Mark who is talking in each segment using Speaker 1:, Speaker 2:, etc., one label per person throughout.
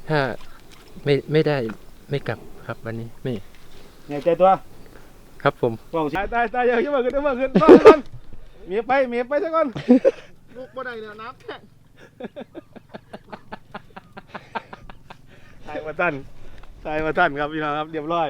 Speaker 1: ถ้าไม่ได้ไม่กลับครับวันนี้ไม่
Speaker 2: เนี่ยใจตัว
Speaker 1: ครับผม
Speaker 2: ตายเยอะขึ้นมาขึ้นมาขึ้นต้อนเมียไปซะก่อนลูกบ่ได้เนี่ยน้ำแข็งตายมาท่านครับพี่น้องครับเรียบร้อย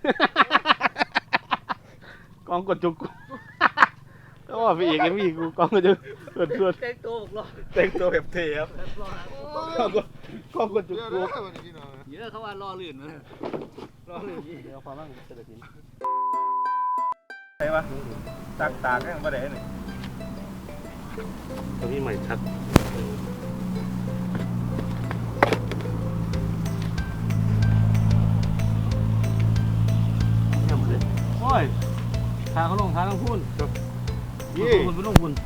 Speaker 2: กองกดจุกแล้วว่าพี่เอกยังมีกูกองกดจุกส่วน
Speaker 3: แต่งตัวหรอ
Speaker 2: แต่งตัวแบบเทครับกองกดจุกกู
Speaker 3: เยอะเขาว่ารอลื่นเลย
Speaker 2: รอลื่นยี่เดี๋ยวความมั่งเสด็จสินใช่ปะตากแค่บ่ได้นี่ตัวนี้ใหม่ชัดโอ้ยทางเขาลงทางต้องพูนคุณลงคุณ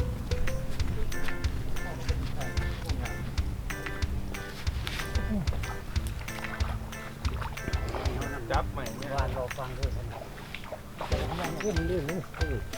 Speaker 2: จับใหม่เนี่ยวานรอฟังด้วยขึ้นเรื่องนี้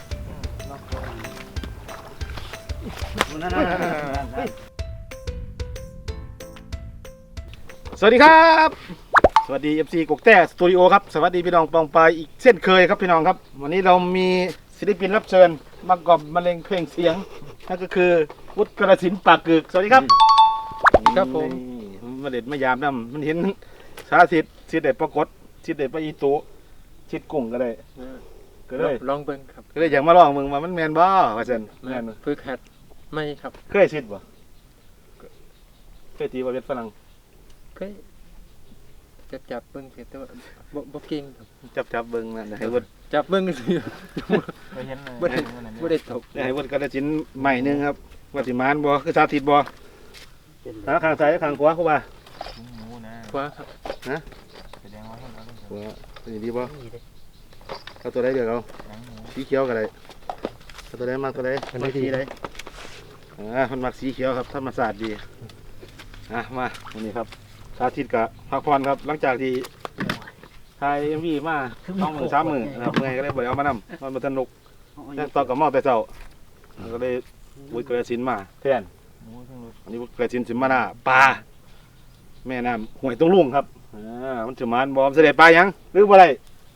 Speaker 2: สวัสดีครับสวัสดี FC กกแต้สตูดิโอครับสวัสดีพี่น้องปองปายอีกเช่นเคยครับพี่น้องครับวันนี้เรามีศิลปินรับเชิญมากอบมะเร็งเพลงเสียงนั่นก็คือวุฒิกระสินปากกึกสวัสดีครับ
Speaker 1: ครับผม
Speaker 2: มาเด็ดมายามน้ำมันเห็นสาธิตชิดเด็ดปรากฏชิดเด็ดปอีโตชิดกุ้งก็ได้ก็เลย
Speaker 1: ลองเบิ้งครับ
Speaker 2: ก็เลยอยากมาลองมึงว่ามันแมนบ่ว่าซั่น
Speaker 1: แมนฝึกหัดไม่ครับ
Speaker 2: เคยชิดบ่เคยตีบ่เว็ดฝรั่ง
Speaker 1: เคยจับเบิ้งแต่ว่าบ่เก่ง
Speaker 2: ครับจับเบิ้งนั่นให้เวิร์ด
Speaker 1: จับเบิ้งสิ
Speaker 3: ไปเห็นเลย
Speaker 1: บ่ได้ตก
Speaker 2: ให้เวิร์ดกระสินใหม่นึงครับว่าสิมานบ่คือสาธิตบ่ข้างซ้ายข้างขวาเข้ามา
Speaker 1: ขวาครับ
Speaker 2: นะ
Speaker 3: แสดงว่าคนเราต้อง
Speaker 2: ขวาดีบ่เอาตัวใดเดี๋ยวเอาสีเขียวก็ได้เอาตัวใดมากตัวใดมักสีใดมันมักสีเขียวครับธรรมศาสตร์ดีมาวันนี้ครับสาธิตกับพักผ่อนครับหลังจากที่ถ่ายMVมา2-3 มื้อนะครับเมื่อยก็เลยบ่ได้เอามานำมันบ่สนุกแต่ต่อกับหม้อแต่เช้าก็เลยวุฒิกระสินมาแทนอันนี้วุฒิกระสินสิมาหน้าปลาแม่น้ำห้วยตรงลุงครับมันสิมานบ่เสด็จปลายังหรือบ่ได้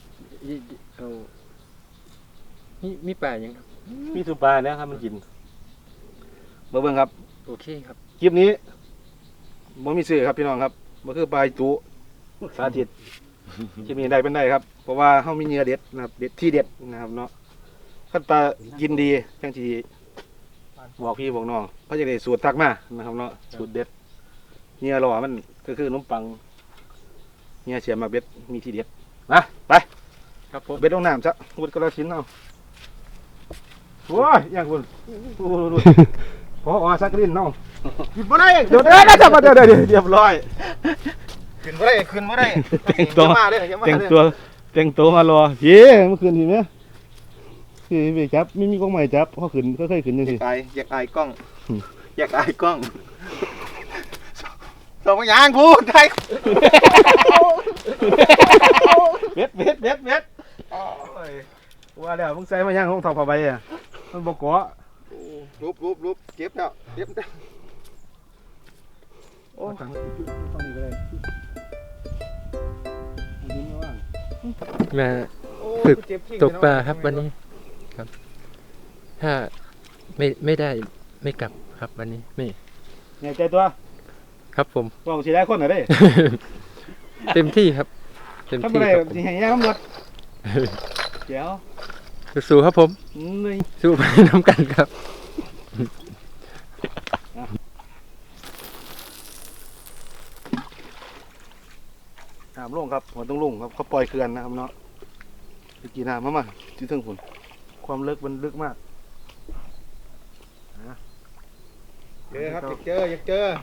Speaker 1: มีปลายังครับ
Speaker 2: มีทุกปลาเนี่ยครับมันกินเบิ่งครับ
Speaker 1: โอเคครับ
Speaker 2: คลิปนี้บ่มีซื้อครับพี่น้องครับบ่คือปลาจุสาธิตคลิปนี้ได้เป็นได้ครับเพราะว่าเฮามีเนื้อเด็ดนะครับเด็ดที่เด็ดนะครับเนาะคันปลากินดีจังสิบอกพี่บอกน้องเขาจะได้สูตรทักมานะครับเนาะสูตรเด็ดเนื้อหล่อมันก็คือขนมปังเนื้อเสียมาเบ็ดมีที่เด็ดมาไป
Speaker 1: ครับผม
Speaker 2: เบ็ดลงน้ำซะวุฒิกระสินเอาโอ้ยอย่างคุณพอสักลิ้นเนาะขึ้นมาได้เดี๋ยวเรียบร้อยขึ้นมาได้แต่งตัวมารอเฮ้เมื่อคืนทีเนี้ยคือไปจับไม่มีกล้องใหม่จับเขาขึ้นค่อยๆขึ้นยังสิ
Speaker 3: อยากอายกล้องส่งยางพูดไทย
Speaker 2: เบ็ดว่าแล้วมึงใส่มาย่างของทองผ้าใบอ่ะมันบกเกาะ
Speaker 3: รูปเก็บแล้ว
Speaker 2: โอ้ต้องมีก็ได้
Speaker 1: มาฝึกตกปลาครับวันนี้ครับถ้าไม่ได้ไม่กลับครับวันนี้ไม่
Speaker 2: เนี่ยใจตัว
Speaker 1: ครับผม
Speaker 2: บอกสิได้คนหน่อยได้
Speaker 1: เต็มที่ครับเต็มที่
Speaker 2: ครับสิให้ย่างตำรวจเดี๋ยว
Speaker 1: สู้ครับผมสู้ไปน้ำกันครับ
Speaker 2: น้ำลงครับหัวต้องลงครับเขาปล่อยเขื่อนนะครับเนาะกี่น้ำมาที่ถึงฝุ่นความลึกมันลึกมาก
Speaker 3: เจอครับอยากเจอ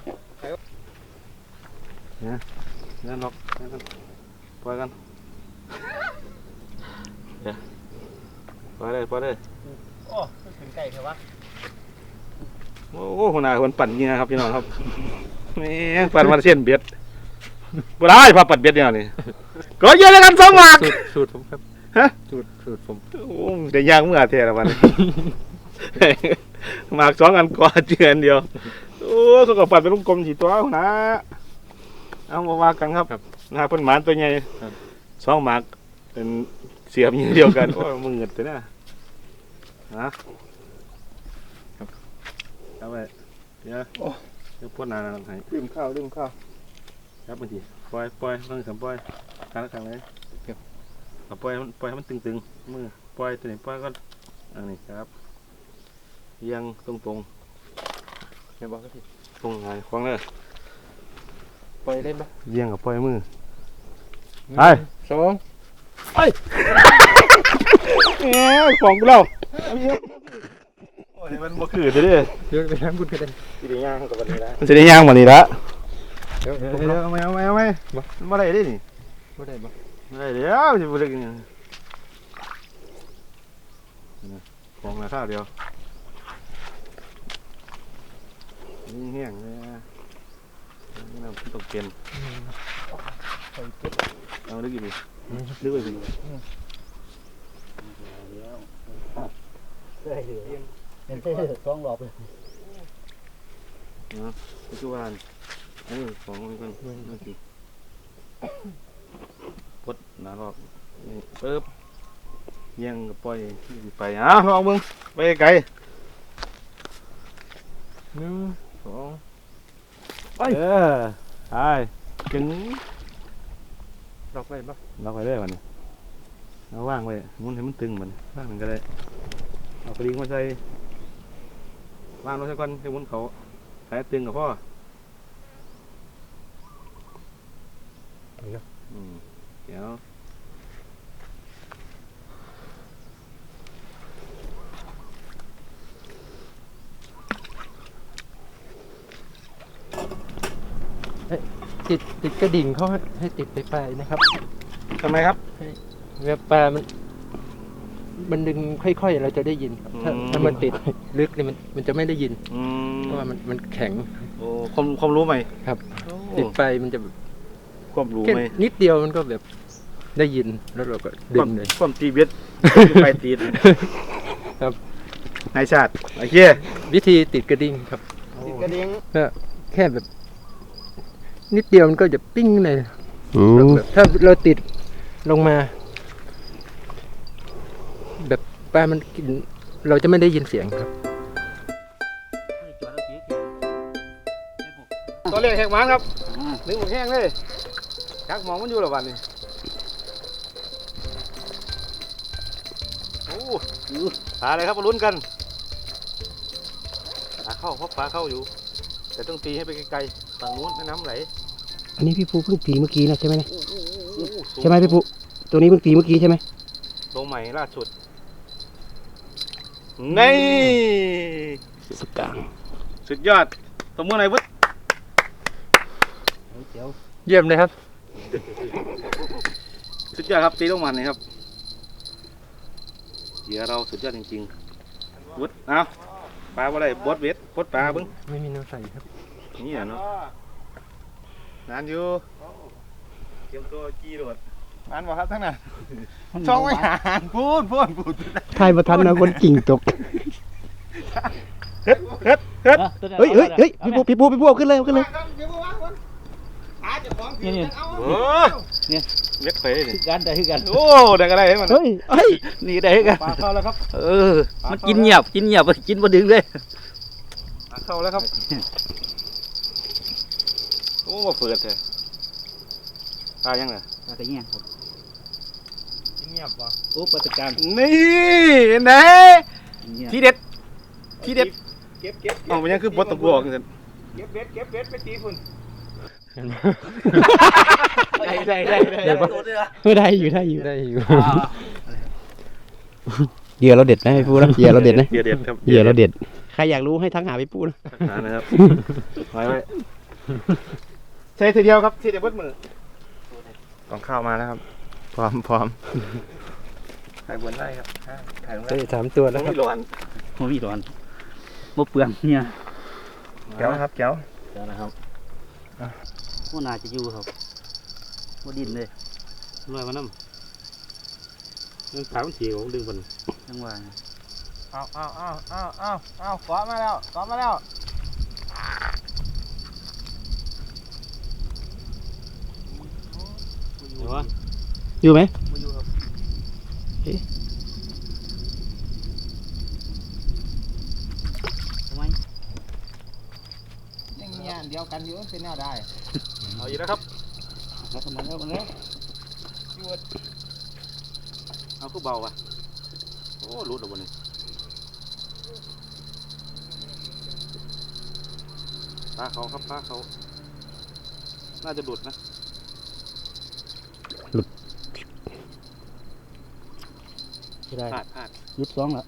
Speaker 2: เนี่ยล็อกปล่อยกันปล่อยเลย
Speaker 3: โอ้ถึงไก่เถอะวะ
Speaker 2: โอ้หัวหน้าคนปั่นเงี้ยครับพี่น้องครับแม่ปั่นมาเส้นเบียดบ่ได้พาปัดเบียดเนี่ยนี่ก็เยอะแล้วกัน2 หมาก
Speaker 1: สูตรผมครับ
Speaker 2: ฮะ
Speaker 1: สูตรผม
Speaker 2: โอ้ได้ยางเมื่อเท่าวันหมาก2 อันกว่าเจือนเดียวโอ้เขาก็ปัดเป็นลูกกลม4 ตัวนะเอามาว่ากันครับ
Speaker 1: ครับ
Speaker 2: นาเพิ่นหมานตัวใหญ่
Speaker 1: ครับ
Speaker 2: สองหมากเป็นเสียบอย่างเดียวกัน โอ้ยมึงเงิดแต่น่ะนะครับเอาไว้เดี๋ยวพ่นนานให้
Speaker 3: ลืมข้าวลืมข้าว
Speaker 2: ครับบางทีปล่อยต้องสามปล่อยครั้งเลยเอาปล่อยให้มันตึงๆมือปล่อยตัวนี้ปล่อยก็อันนี้ครับเอียงตรง
Speaker 1: เดี๋ยวบอกก็ผิด
Speaker 2: ๆตรงไหนควางเลย
Speaker 1: ปล่อยเล่นปะ
Speaker 2: เอียงกับปล่อยมือ
Speaker 1: 1
Speaker 2: ไป
Speaker 1: 2
Speaker 2: ของกูเล่าโอ้ยมันบ่คือเด้อ
Speaker 1: เดี๋ยวไปทำบุญกันเลย
Speaker 2: สิได้ย่างกับวันนี้ละมันสิได้ย่างวันนี้ละ
Speaker 1: เดี๋ยว
Speaker 2: เอาไหมมันบ่ได้เด้นี่
Speaker 1: บ่ได้บ่
Speaker 2: บ่ได้เดี๋ยวสิบ่ได้กินของราคาเดียวนี่แห้งเลยนี่น้ำตกเกนเอาดึกอีกดึกไปสิ
Speaker 4: เป็นเส้นสองรอบเลย
Speaker 2: ปัจจุบันอันนี้ของมันก่อนมาสิปดหนารอบนี่ปึ๊บเยี่ยงกับปล่อยไปลองมึงไปไกล
Speaker 1: 1 2
Speaker 2: ไปจึง
Speaker 1: ดอกไว้ปะ
Speaker 2: เราไปได้มันเราว่างไว้มุนให้มันตึงมันว่างมันก็ได้เอากระดิ่งมาใส่ว่างลงสักก่อนให้มุนเขาใส่ตึงกับพ่อเดี๋ยว
Speaker 1: ติดกระดิ่งเขาให้ติดไปปลายนะครับ
Speaker 2: ทำไมครับ
Speaker 1: เวลาปลามันดึงค่อยๆเราจะได้ยินครับถ้ามันติดลึกนี่มันจะไม่ได้ยิน เพราะว่ามันแข็ง
Speaker 2: โอ้ความรู้ใหม่
Speaker 1: ครับ ติดไปมันจะแบบ
Speaker 2: ความรู้
Speaker 1: แค่
Speaker 2: ใหม่
Speaker 1: นิดเดียวมันก็แบบได้ยินแล้วเราก็ดึงเลย
Speaker 2: ความตีเบ็ดไปตีด
Speaker 1: ครับ
Speaker 2: นายชาติโอเค
Speaker 1: วิธีติดกระดิ่งครับ
Speaker 3: ติดกระดิ่ง
Speaker 1: ก็แค่แบบ นิดเดียวมันก็จะปิ้งเลยแบบถ้าเราติดลงมา แบบปลามันกินเราจะไม่ได้ยินเสียงครับ
Speaker 2: ตัวเล็กแหกมันครับนึกหมดแห้งเลยชักมองมันอยู่หรอวันนี้โอ้ปลาอะไรครับมาลุ้นกันปลาเข้าเพราะปลาเข้าอยู่ แต่ต้องตีให้ไปไกลๆฝั่งนู้นแม่น้ำไหล
Speaker 4: อันนี้พี่ภูเพิ่งตีเมื่อกี้นะใช่ไหมเนี่ย
Speaker 2: สูง
Speaker 4: ใช่ไหมพี่ภูตัวนี้เพิ่งตีเมื่อกี้ใช่ไหม
Speaker 2: ลงใหม่ล่าสุดนี่
Speaker 4: สุดกลาง
Speaker 2: สุดยอดสมมติไหนวุฒิ
Speaker 4: เดี๋ยว
Speaker 1: เยี่ยมเลยครับ
Speaker 2: สุดยอดครับตีลงมันเลยครับเหยื่อเราสุดยอดจริงๆวุฒิเอาปลาอะไรบดเวทบดปลาเบิ้ง
Speaker 1: ไม่มีน้ำใส่ครับ
Speaker 2: นี่อ่ะเนาะนานอยู่เตรียมตัวจี้โดด
Speaker 3: มันบอกครับทั้งนั้นช่องไม่ห่างพูด
Speaker 4: ทายประทันนะคนกิ่งตก
Speaker 2: เฮ็ด
Speaker 4: เฮ้ยพี่ภูเอาขึ้นเลยเอาขึ้นเลย
Speaker 3: นี่
Speaker 2: โอ้เล็กไปเลยนี่
Speaker 4: กันได้กัน
Speaker 2: โอ้ได้ก็ได้ให้มัน
Speaker 4: เฮ้ยนี่ได้กัน
Speaker 2: ปลาเข้าแล้วครับ
Speaker 4: มันกินเงียบกินบ่ดึงเลย
Speaker 2: ปลาเข้าแล้วครับโอ้มาเปิดเลยปลายังไง
Speaker 4: ปลากระเงี้ยครับ
Speaker 3: เงียบวะ
Speaker 4: โอ้ปลาตะการ
Speaker 2: นี่ไหนที่เด็ดที่เด็ด
Speaker 3: เก็บ
Speaker 2: อ๋อมันยังคือบดตะกัวกัน
Speaker 3: เก็บเบ็ดไปตีฝุ่น
Speaker 4: ได้
Speaker 1: ได้ปะ
Speaker 4: ได้อยู่
Speaker 1: ได้อยู่
Speaker 4: เหยื่อเราเด็ดนะพี่ภูนะเหยื่อเราเด็ดนะ
Speaker 2: เด็ดครับ
Speaker 4: เหยื่อเราเด็ดใครอยากรู้ให้ทักหาพี่ภูนะ
Speaker 2: หานะครับไว้ใช้ทีเดียวครับทีเดียวบดมือต้องข้าวมาแล้วครับพร้อมถ่ายบนได้ครับถ่ายลงได้
Speaker 1: ได้3 ตัวแล้วครับ
Speaker 2: ไม่ร้อน
Speaker 4: บ่มีร้อนบ่เปลืองเนี่ย
Speaker 2: แก้วครับแก้ว
Speaker 4: เดี๋ยวนะครับว่าน่าจะอยู่ครับว่าดินเลย
Speaker 2: ลอยมาน้ำมันขาวมันสีของดึงบน
Speaker 4: จังหวะ
Speaker 3: เอาเกาะมาแล้ว
Speaker 4: วะ
Speaker 2: อยู่ไหม
Speaker 3: มาอยู่ครับ
Speaker 4: ทำไม
Speaker 3: ยังมีอันเดียวกันอยู่เป็นแนวได้
Speaker 2: เอาอีกแล้วครับ
Speaker 4: แล้วทำไมแล้วมันแล้ว
Speaker 2: เอาคือเบาว่ะโอ้รู้ตัวบนนี้ปลาเขาครับปลาเขาน่าจะดุดนะ
Speaker 4: ไม่ได้
Speaker 2: พลาดพลาด
Speaker 4: ยุดสองแล้ว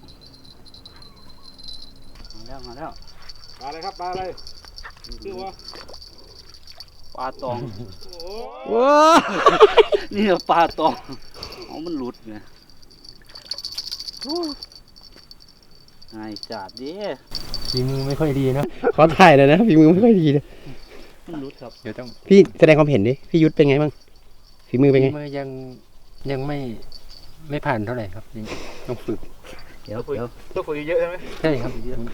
Speaker 4: มาแล้ว
Speaker 2: ปลาอะไรครับปลาอะไรชื่อว่า
Speaker 4: ปลาตอง
Speaker 2: โอ้
Speaker 4: นี่ปลาตองอ๋อมันหลุดไงไอ้จัดดิ
Speaker 1: ฝีมือไม่ค่อยดีเนอะ
Speaker 5: ขอถ่ายเลยนะฝีมือไม่ค่อยดีนะ
Speaker 4: มันหลุดครับ
Speaker 1: เดี๋ยวต้อง
Speaker 5: พี่แสดงความเห็นดิพี่ยุทธเป็นไงบ้างฝีมือเป็นไง
Speaker 1: ฝีมือยังไม่ผ่านเท่าไหร่ครับยังต้องฝึก
Speaker 4: เดี๋ยว
Speaker 2: ตัวฝึกเยอะใช่ไหม
Speaker 1: ใช่ครับ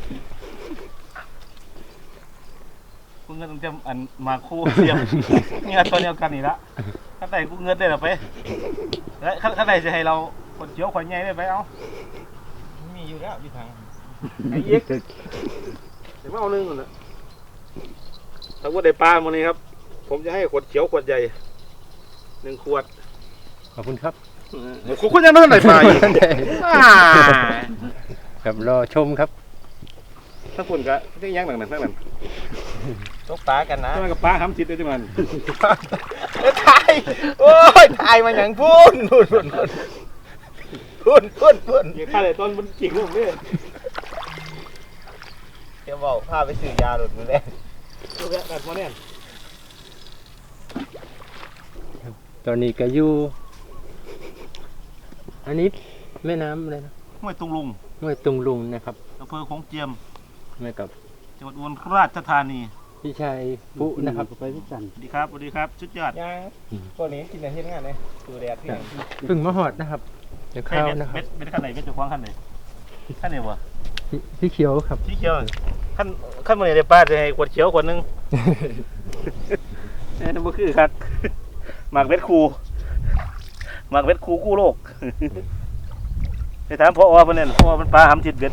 Speaker 3: กูเงินจะอันมาคู่เสียมเงินตัวเดียวกันนี่ละข้างในกูเงินได้หรอไปแล้วข้างในจะให้เราคนเขียวคนใหญ่ได้ไปเอามีอยู่แล้วพี่ทาง
Speaker 2: ไอ้เอ็กเดี๋ยวมาเอาหนึ่งก่อนนะถ้าว่าได้ปลาวันนี้ครับ ผมจะให้ขวดเขียวขวดใหญ่1 ขวด
Speaker 1: ขอบคุณครับ
Speaker 2: คุณยังไม่ได้ปลาอยู่
Speaker 1: ครับรอชมครับ
Speaker 2: ถ้าคุณก็ได้ยังหนังนั่น
Speaker 3: ตกปลากันนะ
Speaker 2: ทำไมกับปลาทำจิตได้ด้วยมัน
Speaker 3: ถ่ายโอ้ยถ่ายมาอย่างพุ่นพุ่น
Speaker 2: ยังฆ่าเลยต้นมันกิ่งลูกนี่
Speaker 3: เดี๋ยวบอกพาไปซื้อยาหลุดมือแรก
Speaker 2: ลูกแรกแบบมาเนี่ย
Speaker 1: ตอนนี้ก็อยู่อันนี้แม่น้ำอะไรนะ
Speaker 3: ห้วยตุงลุง
Speaker 1: ห้วยตุงลุงนะครับ
Speaker 3: อำเภอโขงเจียม
Speaker 1: แม่กับ
Speaker 3: จังหวัดอุบลราชธานี
Speaker 1: พี่ชายปุ๊นะครับ
Speaker 4: ไปพิจัน
Speaker 3: สวัสดีครับชุดยอดยังตัวนี้กินอะไรที่งานเลยดูแดดพี่
Speaker 1: เพึ่งมาหอดนะครับเดี๋ยว
Speaker 3: ใคร
Speaker 1: ข้าว
Speaker 3: เม็ด
Speaker 1: นะครับ
Speaker 3: เม็ดขั้นไหนเม็ดจุกว้างขั้นไหนขั้นไหนวะ
Speaker 1: พี่เขียวครับ
Speaker 3: ที่เขียวขั้นมือเดี๋ยวป้าจะให้ขวดเขียวขวดนึงนี่นั่นก็คือครับหมากเม็ดคูกู้โลกไปถามพ่อว่าเพิ่นเนี่ยพ่อมันปลาหำจิตเบ็ด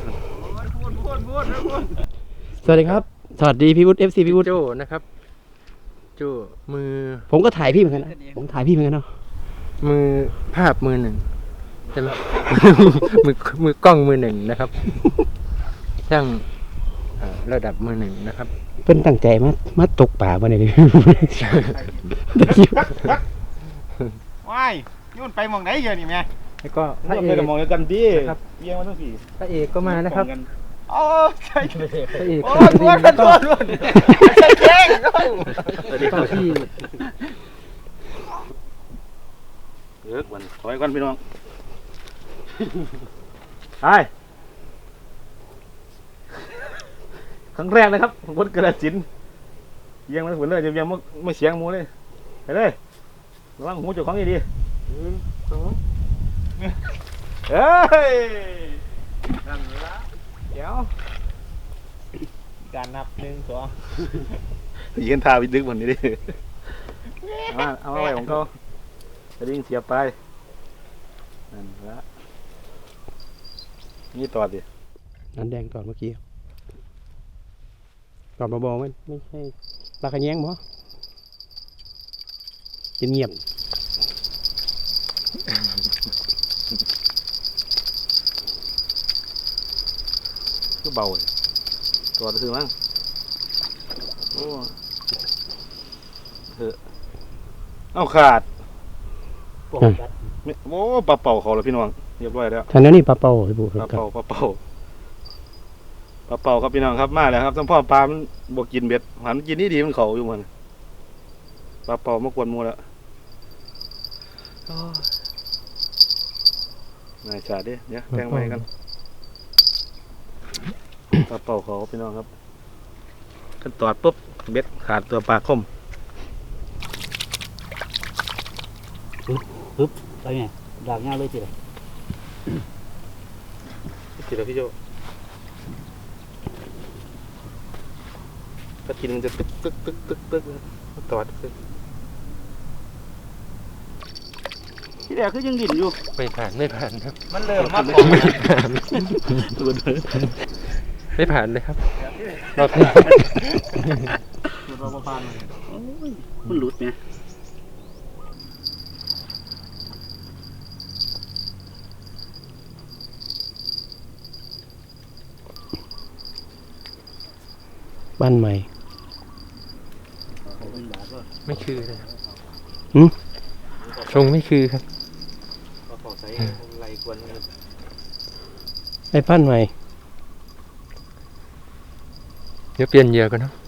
Speaker 5: สวัสดีครับสวัสดีพี่วุฒิ FC พี่วุฒิ
Speaker 1: โจ้นะครับโจ้มือ
Speaker 5: ผมก็ถ่ายพี่เหมือนกันนะผมถ่ายพี่เหมือนกันเนาะ
Speaker 1: มือภาพมือหนึ่งใช่ไหม มือกล้องมือหนึ่งนะครับช่างระดับมือหนึ่งนะครับ
Speaker 5: เพิ่นตั้งใจมาตกป่ามาเนี่ยพี่
Speaker 3: ว้ายยุ่นไปมองไหนเยอะนี่แม่
Speaker 1: แล้วก็พระเอ
Speaker 2: ไม่
Speaker 1: ก
Speaker 2: ได้มองกันดี
Speaker 1: ครับ
Speaker 2: เบี้ยมาทั้งสี่
Speaker 1: พระเอกก็มานะครับ
Speaker 3: โอ้ใช่
Speaker 1: พระเอก
Speaker 3: โอ้
Speaker 1: ชา
Speaker 3: ท
Speaker 1: ตรี
Speaker 3: วน
Speaker 1: แล้วก็
Speaker 3: ใช่แข้ง
Speaker 1: ต่อที่
Speaker 2: เลิกวันถอยก่อนพี่น้องไปครั้งแรกนะครับของคนกระสินเยี่ยงมาถึงเลยยังไม่เสียงมูเลยไปเลยระวังหูเจ้าของดีเฮ้ยนั่นละ
Speaker 3: เดี๋ยวการนับ1 2
Speaker 2: ยืนทาวิดึกวันนี้ดิเอาไว้ของเขาจะดิ้งเสียบไปนั่นละนี่ต่อดิ
Speaker 5: นันแดงตอนเมื่อกี้ตอนมาบอกมันไม่ใช่ปลาขะแยงบ่เงียบ
Speaker 2: ก็เบาเลยตัวจะถึงมั้งโอ้เถอะเอาขาดโอ้ปลาเป่าเขาแล้วพี่น้องเรียบร้อยแล้ว
Speaker 5: ๆท่านนั้นนี่ปลาเป่าพี่บุ๊ค
Speaker 2: ปลา
Speaker 5: ครับ
Speaker 2: เป่าครับพี่น้องครับมาแล้วครับทั้งพ่อปลามันบกินเบ็ดหันกินนี่ดีมันเขาอยู่มันปลาเป่ามากวนหมูแล้วนายชาดิเนี่ยแทงไว้กันปลาเป่าเขาพี่น้องครับขั้นตอดปุ๊บเบ็ดขาดตัวปลาคม
Speaker 4: ไปไงดากง่ายเลยทีเดียว
Speaker 2: ทีละพี่โจถ้ากินมันจะตึกตอดตึก
Speaker 4: ที่แรกคือยังดิ่นอยู่
Speaker 1: ไม่ผ่านครับ
Speaker 3: มันเริ่มมาของ
Speaker 1: ไม่ผ่านเลยครับรอบนี้
Speaker 3: เราประมาณ
Speaker 4: โอ้ยมันหลุดไง
Speaker 5: บ้านใหม่
Speaker 1: ไม่คือเลยครับ
Speaker 5: หืม
Speaker 1: ทรงไม่คือครับ
Speaker 3: เราขอใส่ไหลกวนเลย
Speaker 5: ไอ้บ้านใหม่
Speaker 1: เดี๋ยวเปลี่ยนเหยื่อก่อนเนาะ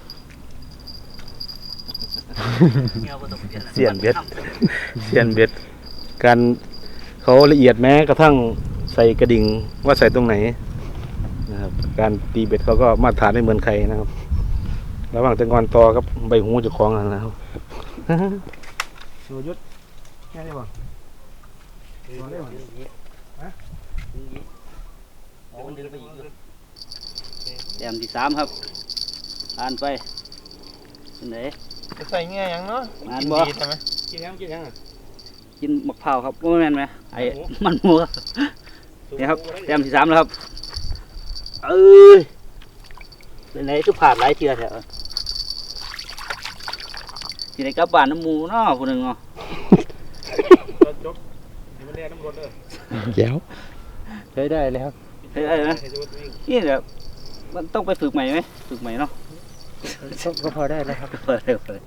Speaker 2: เสียนเบ็ดเสียนเบ็ดการเขาละเอียดแม้กระทั่งใส่กระดิ่งว่าใส่ตรงไหนนะครับการตีเบ็ดเขาก็มาตรฐานไม่เหมือนใครนะครับระหว่างแตะงอนตอกับใบหูเจะคล้าของกันนะครับ
Speaker 3: หนูยุดแค่นี้บ่
Speaker 4: แต้มที่3ครับผ่านไปเป็นไหน
Speaker 3: จะใส่เงี้ยยังเนาะ
Speaker 4: ผ่านบ่
Speaker 3: ดีใช่ไหม
Speaker 2: กินยังอ่ะ
Speaker 4: กินมะพร้าวครับว่าแม่นไหมไอ้มันหมูครับนี่ครับแต้มที่3แล้วครับเอ้ยเป็นไหนคือผ่านหลายเทื่อแถวที่ไหนกลับบ้านน้ำหมูเนาะผู้หนึงเนาะ
Speaker 3: จบมันเรียนน้ำรถเลย
Speaker 5: แก้ว
Speaker 1: ใช้ได้เลยครับ
Speaker 4: เฮ้ยนะนี่เดี๋ยวมันต้องไปฝึกใหม่ไหมฝึกใหม่เนาะ
Speaker 1: ก็พอได้แล้วครับ
Speaker 4: เปิดเลยเปิด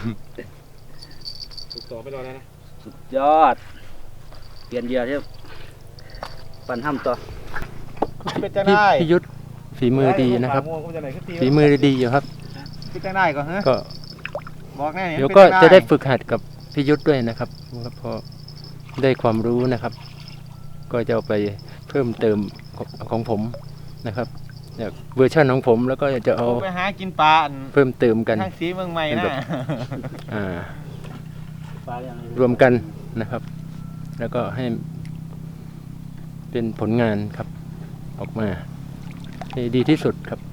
Speaker 2: ถูกต่อไปรอแล้วนะ
Speaker 4: สุดยอดเปลี่ยนเหยื่อที่ปั่นห้ำต่อ
Speaker 3: เป็นจะ
Speaker 1: พี่
Speaker 3: ได้
Speaker 1: พี่ยุทธฝีมือดีนะครับ ฝีมือดีอยู่ครับ
Speaker 3: เป็นจะได้ก่อนฮะ
Speaker 1: ก็
Speaker 3: บอกแน่
Speaker 1: เดี๋ยวก็จะได้ฝึกหัดกับพี่ยุทธด้วยนะครับพอได้ความรู้นะครับ ก็จะเอาไปเพิ่มเติมของผมนะครับจากเวอร์ชันของผมแล้วก็จะเอา
Speaker 3: ไปหากินปลา
Speaker 1: เพิ่มเติมกัน
Speaker 3: ทางสีเมืองใหม่นะ
Speaker 1: อ่า
Speaker 4: ปลาอย่าง
Speaker 1: รวมกันนะครับ แล้วก็ให้เป็นผลงานครับ ออกมาให้ดีที่สุดครับ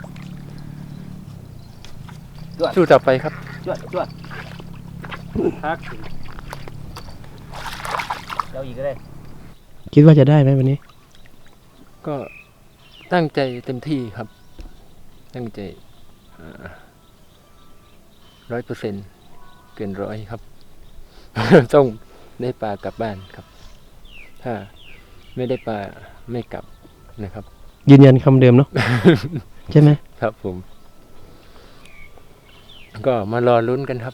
Speaker 1: สู้ต่อไปครับ
Speaker 4: จวดจวดพักเดี๋ยวอีกก็ได้
Speaker 5: คิดว่าจะได้ไหมวันนี้
Speaker 1: ก็ตั้งใจเต็มที่ครับ ตั้งใจ100%เกิน100ครับ ต้องได้ปลากลับบ้านครับ ถ้าไม่ได้ปลาไม่กลับนะครับ
Speaker 5: ยืนยันคำเดิมเนาะ ใช่ไหม
Speaker 1: ครับผม ก็มารอลุ้นกันครับ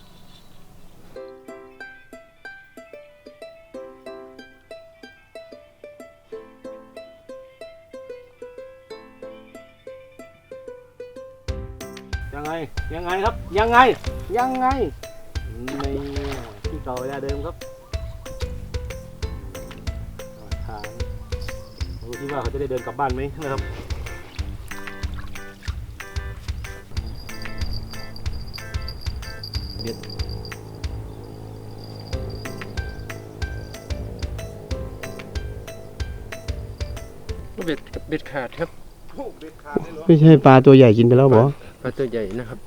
Speaker 2: ยังไงครับยังไงในที่เก่าเวลาเดิมครับทางดูที่ว่าเขาจะได้เดินกลับบ้านไหมนะครับเบ็ด
Speaker 1: ก็เบ็ดขาดครับ
Speaker 2: เบ็ดขาดได้หรอ
Speaker 5: ไม่ใช่ปลาตัวใหญ่กินไปแล้วบอ
Speaker 1: ปลาตัวใหญ่นะครับ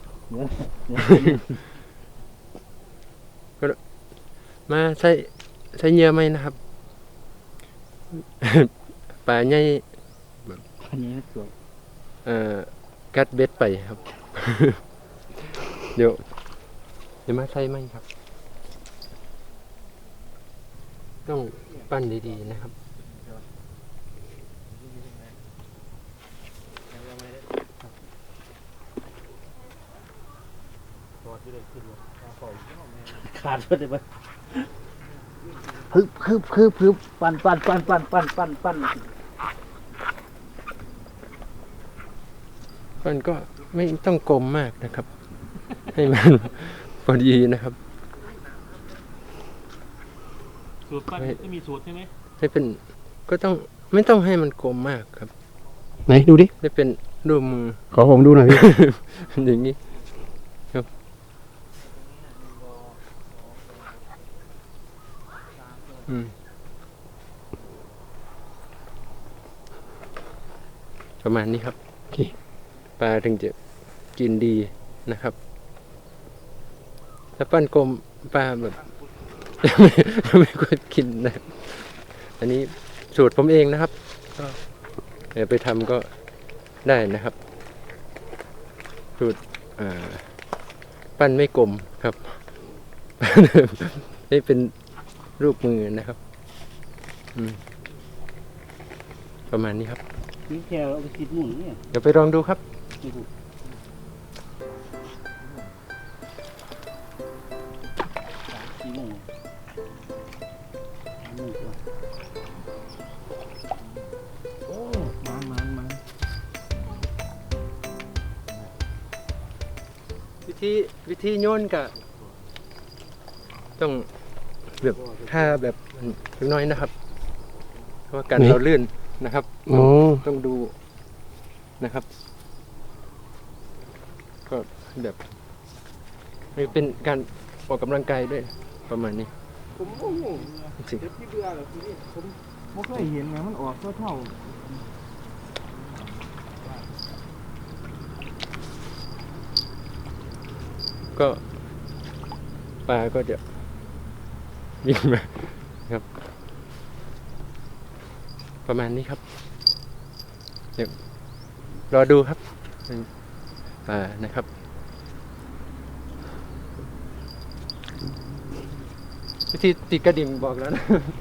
Speaker 1: ก็มาใส่เหยื่อไหมนะครับ ปลาใหญ่
Speaker 4: อันนี้สวย
Speaker 1: กัดเบ็ดไปครับ เดี๋ยวมาใส่ไหมครับ ต้องปั้นดีๆนะครับ
Speaker 4: ขาดไปเลยมั้ยฮึบปั่น
Speaker 1: มันก็ไม่ต้องกลมมากนะครับ ให้มัน พอดีนะครับ
Speaker 3: สูตรปั้นจะมีสูตรใช่ไหม
Speaker 1: ให้เป็นก็ต้องไม่ต้องให้มันกลมมากครับ
Speaker 5: ไหนดูดิ
Speaker 1: ให้เป็นรูปมือ
Speaker 5: ขอผมดูหน่อยพี่
Speaker 1: อย่างนี้ครับประมาณนี้ครับ
Speaker 5: โอเค
Speaker 1: ปลาถึงจะกินดีนะครับถ้าปั้นกลมปลาแบบไม่ควรกินนะอันนี้สูตรผมเองนะครับก็เดี๋ยวไปทำก็ได้นะครับสูตรปั้นไม่กลมครับ นี่เป็นรูปมือนะครับประมาณนี้ครับ
Speaker 4: นี่แค่เอาไปติดหมุนเนี่ย
Speaker 1: เดี๋ยวไปลองดูครับ
Speaker 4: 4 โมง
Speaker 3: โอ้มัน
Speaker 1: วิธีโยนก็ต้องแบบถ้าแบบเล็กน้อยนะครับเพราะว่าการเราลื่นนะครับ
Speaker 5: อ๋อ
Speaker 1: ต้องดูนะครับ ก็แบบนี่เป็นการออกกำลังกายด้วยประมาณนี้
Speaker 3: ผมโอ้โห
Speaker 1: จริง
Speaker 3: เจ็บที่เบื่อเลยทีนี้ผมไม่เคยเห็นไงมันออกเท่า
Speaker 1: ก็ปลาก็จะวิ่งมาครับ ประมาณนี้ครับเดี๋ยวรอดูครับปลานะครับ วิธีติดกระดิ่งบอกแล้วนะ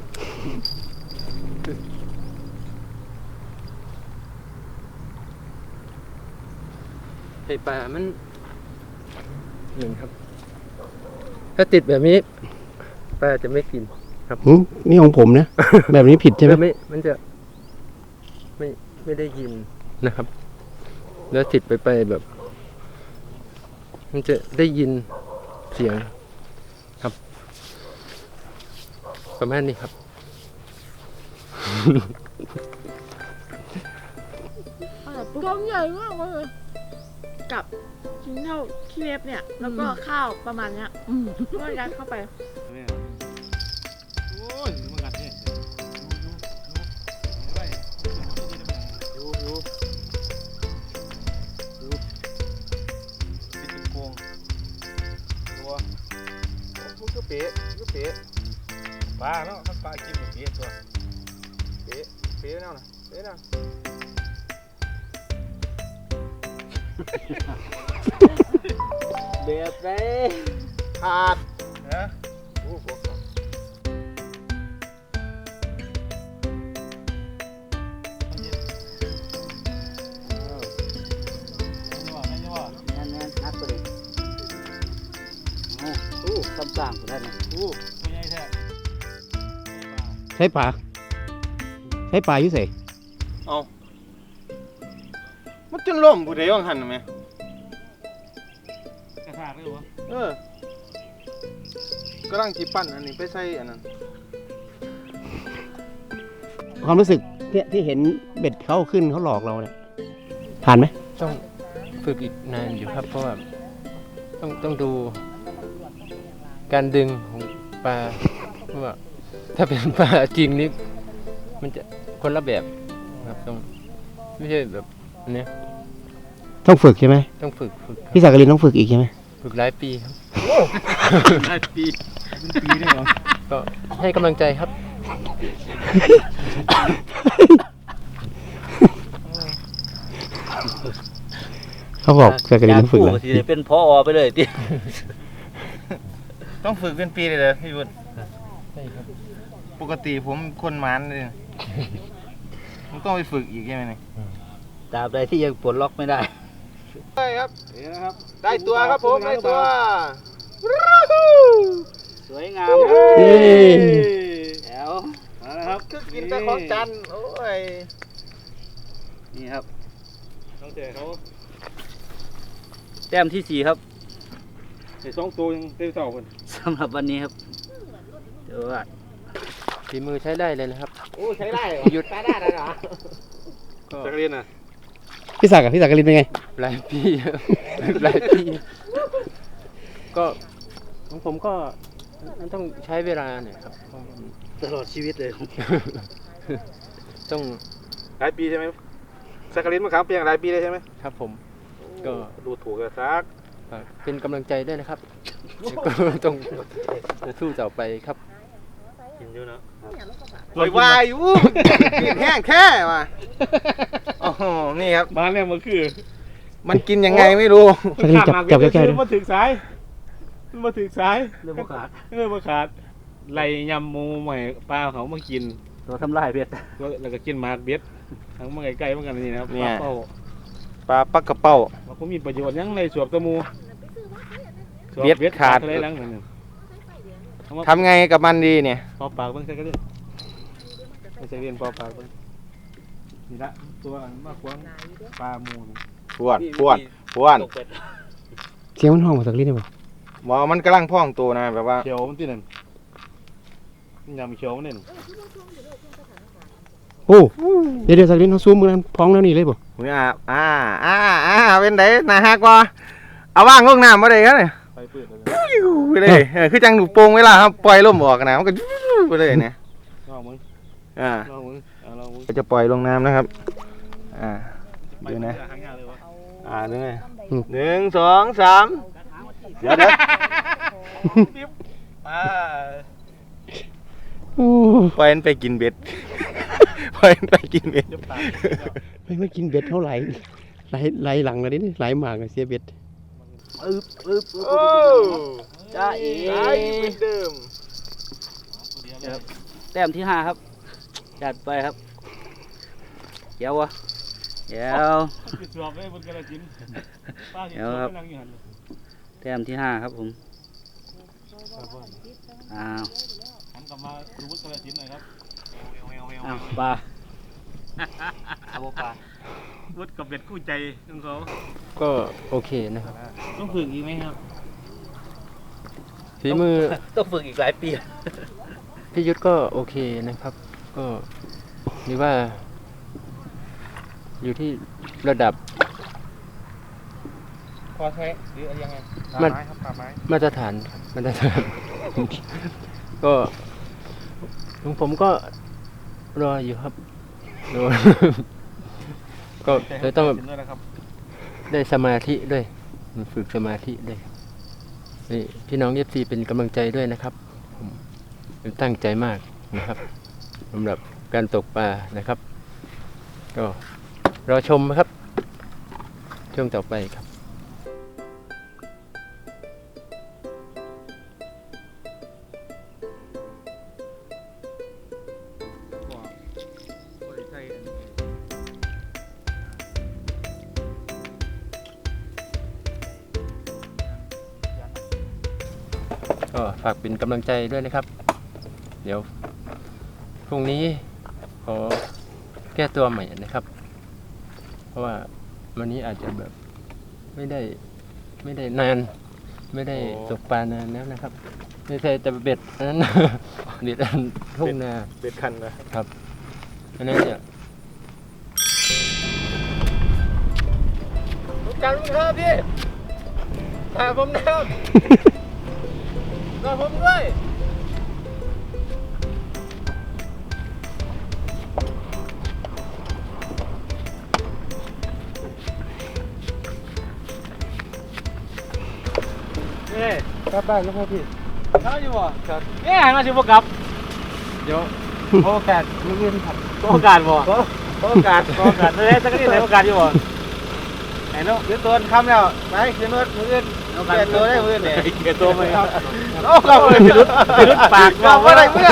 Speaker 1: ไข่ปลามันหนึ่งครับ ถ้าติดแบบนี้ปลาจะไม่กิน
Speaker 5: นี่ของผมนะ แบบนี้ผิดใช่ไหม
Speaker 1: มันจะไม่ได้ยินนะครับ แล้วติดไปแบบ มันจะได้ยินเสียงครับ ประมาณนี้ครับ
Speaker 6: กองใหญ่มากเลยกับชิ้นเท่าขี้เล็บเนี่ย แล้วก็ข้าวประมาณเนี้ยก็ยัดเข้าไป
Speaker 3: โอ้ยมันกัดนี่ดูเป็นโกงตัวมันก็เป๊ะปลาเนาะถ้าปลากินแบบนี้ตัวเป๊ะแน่นะเป๊ะนะ
Speaker 4: แบบไหน
Speaker 3: ขาดนะโอ้โหไม่ใช่ว่า
Speaker 4: แน่นนักไปเลยโอ้ซ้ำสร้างกูได้นะ
Speaker 3: โอ้ไม่ใช่แท้
Speaker 5: ใช้ปลาอยู่เส
Speaker 3: เอามันจนล่มผู้ใดว่างหันไหมกระชากเลยวะกำลังจีปั้นอันนี้ไปใส่อันนั้น
Speaker 5: ความรู้สึกที่เห็นเบ็ดเขาขึ้นเขาหลอกเราเนี่ยผ่านไหม
Speaker 1: ต้องฝึกอีกนานอยู่ครับ เพราะว่าต้องดูการดึงของปลาเพราะว่าถ้าเป็นปลาจริงนี่มันจะคนละแบบครับต้องไม่ใช่แบบอันเนี้ย
Speaker 5: ต้องฝึกใช่ไหม
Speaker 1: ต้องฝึก
Speaker 5: พี่สักกลินต้องฝึกอีกใช่ไหม
Speaker 1: ฝึกหลายปีครับ
Speaker 3: ได้ปีเป็นปีได้เหรอ
Speaker 1: ก็ให้กำลังใจครับ
Speaker 5: เขาบอกสักกลินต้องฝึก
Speaker 4: เล
Speaker 5: เลย
Speaker 4: ยเป็นพอไปเลยที่
Speaker 3: ต้องฝึกเป็นปีเลยเหรอพี่บุญ
Speaker 1: ใช่ครับ
Speaker 3: ปกติผมคนมันเลยมันต้องไปฝึกอีกใช่ไหมนี่
Speaker 4: ตราบใดที่ยังปลดล็อกไม่ได้
Speaker 3: ได้ครับนี่นะครับ ได้ตัวครับผมได้ตัว
Speaker 4: สวยงาม
Speaker 5: เย้
Speaker 4: แล้ว
Speaker 3: มาแล้วครับคือกินแต่ของจันทร์โอ้ย
Speaker 4: นี่ครับ
Speaker 3: ต้องเจอเขา
Speaker 4: แต้มที่ 4 ครับ
Speaker 3: ไอ้สองตัวยังเต็มเสาคน
Speaker 4: สำหรับวันนี้ครับเดี๋ยวว่า
Speaker 1: ฝีมือใช้ได้เลยนะครับ
Speaker 3: โอ้ใช้ได้เหรอ
Speaker 1: หยุด
Speaker 3: ใช้ได้เหรอ
Speaker 1: ก็
Speaker 3: จักเรียนอ่ะ
Speaker 5: พี่สักกลินเป็นไง
Speaker 1: หลายปีครับหลายปี ก็ของผมก็มันต้องใช้เวลาเนี่ยครับเพราะมัน
Speaker 4: ตลอดชีวิตเลย
Speaker 1: ต้อง
Speaker 3: หลายปีใช่ไหมสักเรียนมาครับเพียงหลายปีเลยใช่ไหม
Speaker 1: ครับผม ก็
Speaker 3: ดูถูกกันซัก
Speaker 1: ฝากเป็นกำลังใจด้วยนะครับแล้วก็ต้องสู้ต่อไปครับ
Speaker 3: กินอยู่เนาะ
Speaker 2: ลอยวายอยู่กินแห้งแค่ว่ะโอ้โหนี่ครับ
Speaker 3: บ้านเนี่ยมันคือ
Speaker 2: มันกินยังไงไม่รู้
Speaker 5: สักนิดจับแก้วๆ
Speaker 3: มั
Speaker 5: ดู
Speaker 3: นมาถึงสายมันมาถึงสาย
Speaker 4: เรื่องบ่ขาด
Speaker 3: เรื่องมาขาดไล่ยำหมูใหม่ปลาเขามากิน
Speaker 4: ตัวทำลายเบ็ด
Speaker 3: แล้วก็กินหมากเบ็ดทั้งมาใกล้ๆเหมือนกันนี่นะครับปลาเป้า
Speaker 2: ปลาปักกระเป้า
Speaker 3: ว่าเขามีประโยชน์ยังในสวบตะมูสว
Speaker 2: เบ็ดขาด
Speaker 3: อะไรหลังนั่นน่ะเอามา
Speaker 2: ทำไงกับมันดีเนี่ย
Speaker 3: ปอปากเบิ่งใส่กระเด็นไม่ใช่เรียนปอปากเบิ่งนี่ละตัวอันมากกว่าปลาหมูนี่
Speaker 2: พวนพวนพวน
Speaker 5: เสียงมันห้องมาสักนิดได้ป่ะ
Speaker 2: หมอมันกำลังพ่องตัวนะแบบว่า
Speaker 3: เขียวมันที่นั่นยำเขียวมันนี่
Speaker 5: โอ้เดี๋ยวสักนิดเขาซูมมือนั้นพร้อมแล้วนี่เลยป่ะ
Speaker 2: หุยเป็นไดนาฮักว่าเอาว่างลงน้ำมาเลยครับเนี่ย
Speaker 3: ไปปืดเลย
Speaker 2: ไปเลยคือจังหนูโป่งเวลาครับปล่อยลมออกนะมันก็ไปเลยเนี่ย
Speaker 3: ลองมึง
Speaker 2: อ่า
Speaker 3: ลองมึงเอาลองมึง
Speaker 2: จะปล่อยลงน้ำนะครับดูนะ
Speaker 3: หางยาวเลยวะ
Speaker 2: ดูนะ1 2 3เดี๋ยวปล่อยมันไปกินเบ็ดปล่อยมันไปกินเบ็ด
Speaker 5: ไม่กินเบ็ดเท่าไหร่ไหลหลังเลยนี่ไหลหมากเลยเสียเบ็ด
Speaker 2: โอ้
Speaker 4: จ้าเอ๋
Speaker 2: ได้เหมือนเดิม
Speaker 4: แต้มที่ 5 ครับจัดไปครับเดี๋ยววะเดี๋ยว
Speaker 3: สวบเลยบนกระจิ้นป้าเห็น
Speaker 4: เดี๋ยว
Speaker 3: สว
Speaker 4: ครับ บ
Speaker 3: ไปนั่งอยู่หันเลย
Speaker 4: แต้มที่ 5 ครับผมอ้าว
Speaker 3: หันกลับมาดูบนกระจิ้นหน่อยครับ
Speaker 4: อ้าวปลาเอาบ่ปลา
Speaker 3: วุดกับเบ็ดกู้ใจของเขา
Speaker 1: ก็โอเคนะครับ
Speaker 3: ต้องฝึกอีกไหมครับ
Speaker 1: ฝีมือ
Speaker 4: ต้องฝึกอีกหลายปี
Speaker 1: พี่ยุทธก็โอเคนะครับ ก็หรือว่า อยู่ที่ระดับ
Speaker 2: พอใช้หรือยังไง
Speaker 1: มัน
Speaker 2: ไม้ครับปลาไม้
Speaker 1: มาตรฐานครับมาตรฐาน ก็ของผมก็รออยู่ครับรอ ก็เลยต้อง
Speaker 3: ด้วยนะครับ
Speaker 1: ได้สมาธิด้วยฝึกสมาธิด้วยนี่พี่น้องเอฟซีเป็นกำลังใจด้วยนะครับผมตั้งใจมากนะครับสำหรับการตกปลานะครับ ก็รอชมครับ ช่วงต่อไปครับ ก็ฝากเป็นกำลังใจด้วยนะครับ เดี๋ยวพรุ่งนี้ขอแก้ตัวใหม่นะครับ เพราะว่าวันนี้อาจจะแบบไม่ได้นาน ไม่ได้ตกปลานานแล้วนะครับ ไม่ใช่แต่เบ็ดอันนั้น เบ็ดอันทุ่งนา
Speaker 2: เบ็ดคันนะครับ
Speaker 1: อันนั้นเนี่ยรู้จักลุงครับพี่ถ่ายผมนะครับถ่ายผมด้วย
Speaker 3: นี่
Speaker 1: กลับบ้านแล้วครับพี่
Speaker 3: เขาอยู่บ่ครับเนี่ยมาชิบกับ
Speaker 1: เดี๋ยวโอกาสมื้ออื่นครับ
Speaker 3: โอกาสบ่โอกาสเลยสักนิดเลยโอกาสอยู่บ่ไหนเนาะ
Speaker 2: ขึ้นตัวคำแล้วไปขึ้นรถมืออื่นเปลี่ยนตัวได้มืออื่นเนี่ย
Speaker 3: เกียรตัวไหมครับ
Speaker 2: เราเลยพิรุษ
Speaker 3: ปาก
Speaker 2: เราว่าอะไรเมื่อ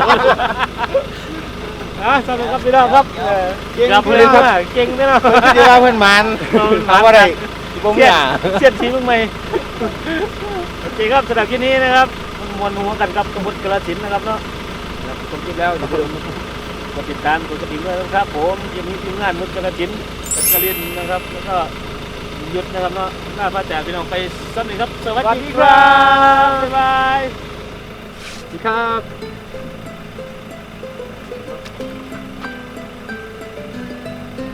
Speaker 3: สวัสดีครับพี่น้องครับ
Speaker 2: เก่ง
Speaker 3: กับ
Speaker 2: เล
Speaker 3: เลย ย
Speaker 2: ครับ
Speaker 3: เก่งแน่นอน
Speaker 2: เดี๋ยวเพื่อนมันเราว่าอะไรผม
Speaker 3: เสีย
Speaker 2: อย่า
Speaker 3: เสียทีมึงไหมโอเคครับสำหรับที่นี้นะครับมวนหัวกันกับสมุทรกระสินนะครับเนาะครับผมคิดแล้วอย่าลืมกดติดตามกดกระดิ่งด้วยนะครับผมยังมีทีมงานมุทรกระสินเป็นกระเรียนนะครับแล้วก็หยุดนะครับเนาะหน้าพระจ่าพี่น้องไปสักหนึ่งครับสวัสดีครับบ๊ายบาย
Speaker 1: ครับ